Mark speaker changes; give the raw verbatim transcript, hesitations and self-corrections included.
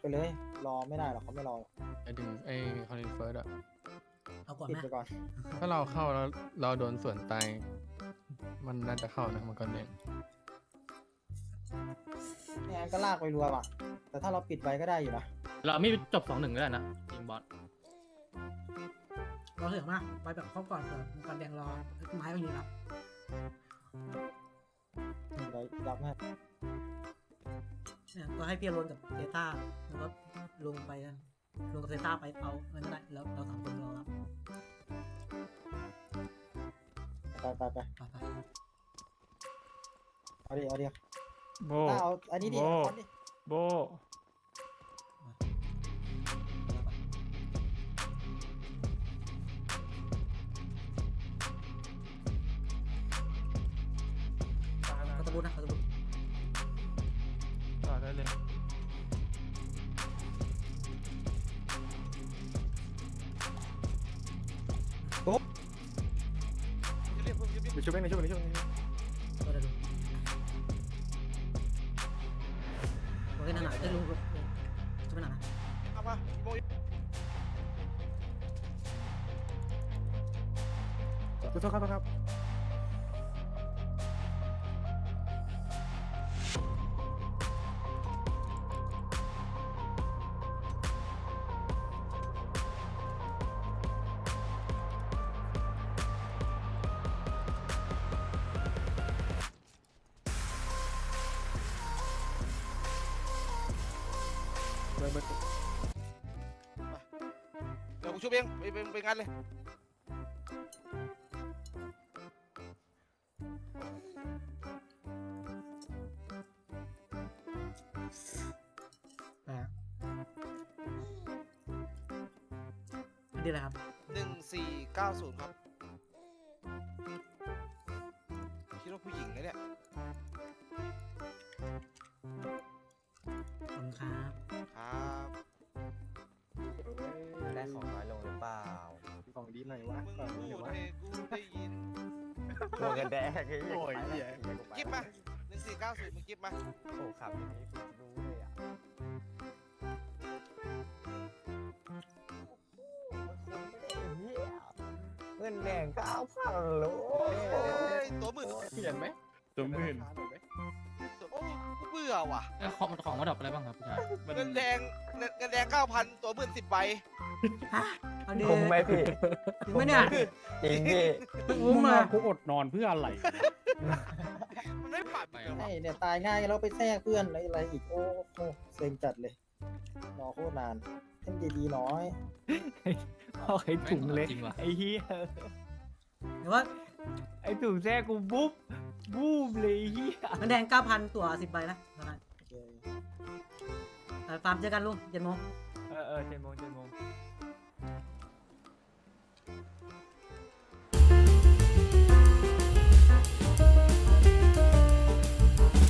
Speaker 1: เลย รอไม่ได้หรอกเขาไม่รอ
Speaker 2: ไอ้ดึงไอ้คอนเทนเฟิร์สอะ
Speaker 3: เอาก่อน
Speaker 1: ปิด
Speaker 3: ไหม
Speaker 1: ไปก่อน
Speaker 2: ถ้าเราเข้าแล้วเราโดนสวนตายมันน่าจะเข้านะมันก็เด้ง
Speaker 1: ไม่งั้นก็ลากไปรัวว่ะ แต่ถ้าเราปิดไว้ก็ได้อยู่นะ
Speaker 4: เราไม่จบสองหนึ่งก็ได้นะยิงบอส
Speaker 3: เราถึงมาไปแบบครอบก่อนเถอะมังกรแดงรอไม้ก็อยู่แล้ว
Speaker 1: เดี๋ยวรับให้
Speaker 3: เนี่ยก็ให้พี่อรนกับเซต้าแล้วก็ลงไปกันลงกับเซต้าไปเอาเงินก็ได้แล้วเราสามคนรอรับ
Speaker 1: ไปไปไป
Speaker 3: ไปไป
Speaker 1: เอาดิเอาดิ
Speaker 5: โบ
Speaker 1: ถ้าเอาอันนี้ดิ
Speaker 5: โบ้
Speaker 1: เอาดิ
Speaker 5: โบ
Speaker 3: เขาตะบุญนะเขาตะบุญ
Speaker 5: ต่อได้เลย
Speaker 2: ไปช่วยไปช่วยไปช่วย
Speaker 3: ก็ได้ดูโอเคนั่นน่ะได้ลุงลุงจะไปไหนนะ
Speaker 6: เอามาโมย
Speaker 2: ขอโทษครับครับ
Speaker 6: เดี๋ยวกูช่วยเองไปไปไปงานเลย
Speaker 3: แปดอันนี้อะไรครับ
Speaker 6: หนึ่งสี่เก้าศูนย์ครับคิดว่าผู้หญิงนะเนี่ย
Speaker 3: ขอบคุณครับ
Speaker 6: ครับ
Speaker 7: ได้ของน้อยลงหรือเปล่า
Speaker 2: ของดีหน่อยวะ
Speaker 6: มึงพูดให้กูได้ยิน
Speaker 7: โดนกันแดกไอ้
Speaker 2: โอ้ยเหี้ย
Speaker 6: กิ๊บมาหนึ่งสี่เก้าศูนย์มึงกิ๊บมา
Speaker 7: โอ้ขับอย่างนี้คุณรู้เลยอ่ะเงินแดงเก้าพันโล
Speaker 6: โอ้ยตัวหมื่น
Speaker 2: เปลี่ยนไหม
Speaker 5: ตัวหมื่น
Speaker 6: โอ้กูเบื่อว่ะ
Speaker 4: เอ้ยของของมาดรอปอะไรบ้างครับพี่ชาย
Speaker 6: เงินแดงเงินแดงเก้าพันตัวหมื่นสิบใบ
Speaker 3: ฮะเอาดี
Speaker 7: คุ้มไหมพี่
Speaker 3: ถึงไหมเนี่ย
Speaker 7: จริงพี่
Speaker 3: คุ้มเลย
Speaker 5: กูอดนอนเพื่ออะไร
Speaker 6: มันไม่ปัดเลย
Speaker 1: ให้เนี่ยตายง่ายแล้วไปแทรกเพื่อนอะไรอะไรอีก โอ้โหเซ็งจัดเลย รอโคตรนานเล่นดีๆน้อย
Speaker 5: เอาไอ้ถุงเล็ก
Speaker 4: จริงว่ะ
Speaker 5: ไอ้เหี้ย
Speaker 3: หรือว่า
Speaker 5: ไอ้ถุงแท้กูบุ๊บบูมเลยไอ้เหี้ย
Speaker 3: เงินแดงเก้าพันตัวสิบใบนะเท่านั้น
Speaker 1: โอเค
Speaker 3: ฟาร์มเจอกันลุงเจ็ดโมง
Speaker 5: เออเออเจ็ดโมงเจ็ดโมง